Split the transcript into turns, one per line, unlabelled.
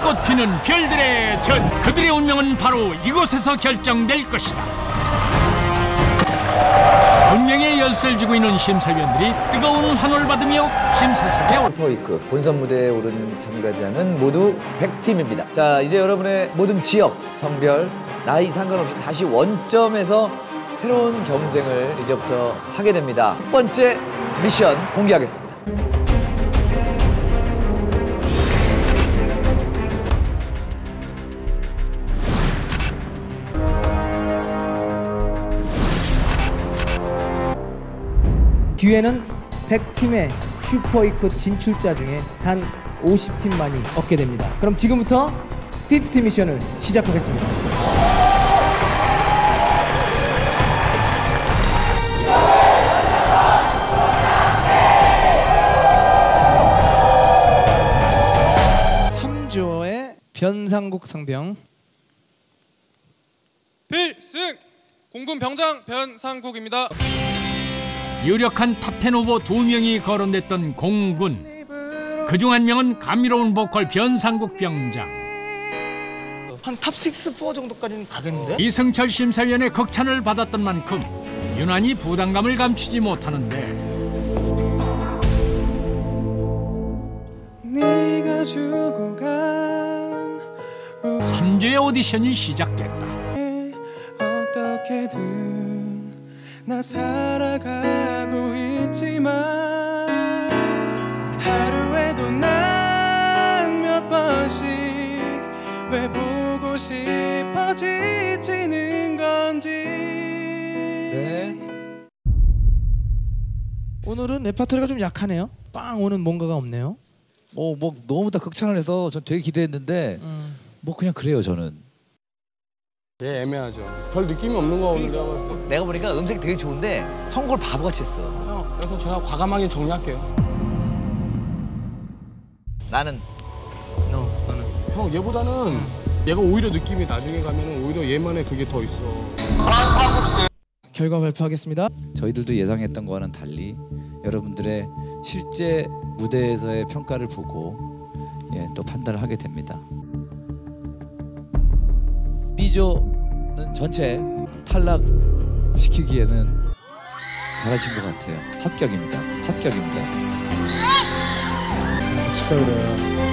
불꽃 튀는 별들의 전, 그들의 운명은 바로 이곳에서 결정될 것이다. 운명의 열쇠를 쥐고 있는 심사위원들이 뜨거운 환호를 받으며 심사석에
슈퍼위크 본선 무대에 오른 참가자는 모두 100팀입니다. 자, 이제 여러분의 모든 지역, 성별, 나이 상관없이 다시 원점에서 새로운 경쟁을 이제부터 하게 됩니다. 첫 번째 미션 공개하겠습니다.
기회는 100팀의 슈퍼위크 진출자 중에 단 50팀만이 얻게 됩니다. 그럼 지금부터 50 미션을 시작하겠습니다. 삼조의 변상국 상병
필승! 공군 병장 변상국입니다.
유력한 탑10 후보 2명이 거론됐던 공군. 그중 한 명은 감미로운 보컬 변상국 병장.
한 탑6, 4 정도까지는 가겠는데?
이승철 심사위원의 극찬을 받았던 만큼 유난히 부담감을 감추지 못하는데
네가 주고 간
3주의 오디션이 시작됐다.
어떻게든 나 살아가고 있지만 하루에도 난 몇 번씩 왜 보고 싶어 지치는 건지.
네. 오늘은 레파토리가 좀 약하네요. 빵 오는 뭔가가 없네요.
뭐 너무 다 극찬을 해서 전 되게 기대했는데 뭐 그냥 그래요 저는.
예, 애매하죠. 별 느낌이 없는 거 같은데 내가 봤을 때.
내가 보니까 음색 되게 좋은데 선곡을 바보같이 했어.
그래서 제가 과감하게 정리할게요.
나는
너는
형 얘보다는 얘가 오히려 느낌이 나중에 가면은 오히려 얘만의 그게 더 있어.
결과 발표하겠습니다.
저희들도 예상했던 거와는 달리 여러분들의 실제 무대에서의 평가를 보고 또 판단을 하게 됩니다. B조는 전체 탈락시키기에는 잘하신 것 같아요. 합격입니다. 합격입니다.
축하드려요.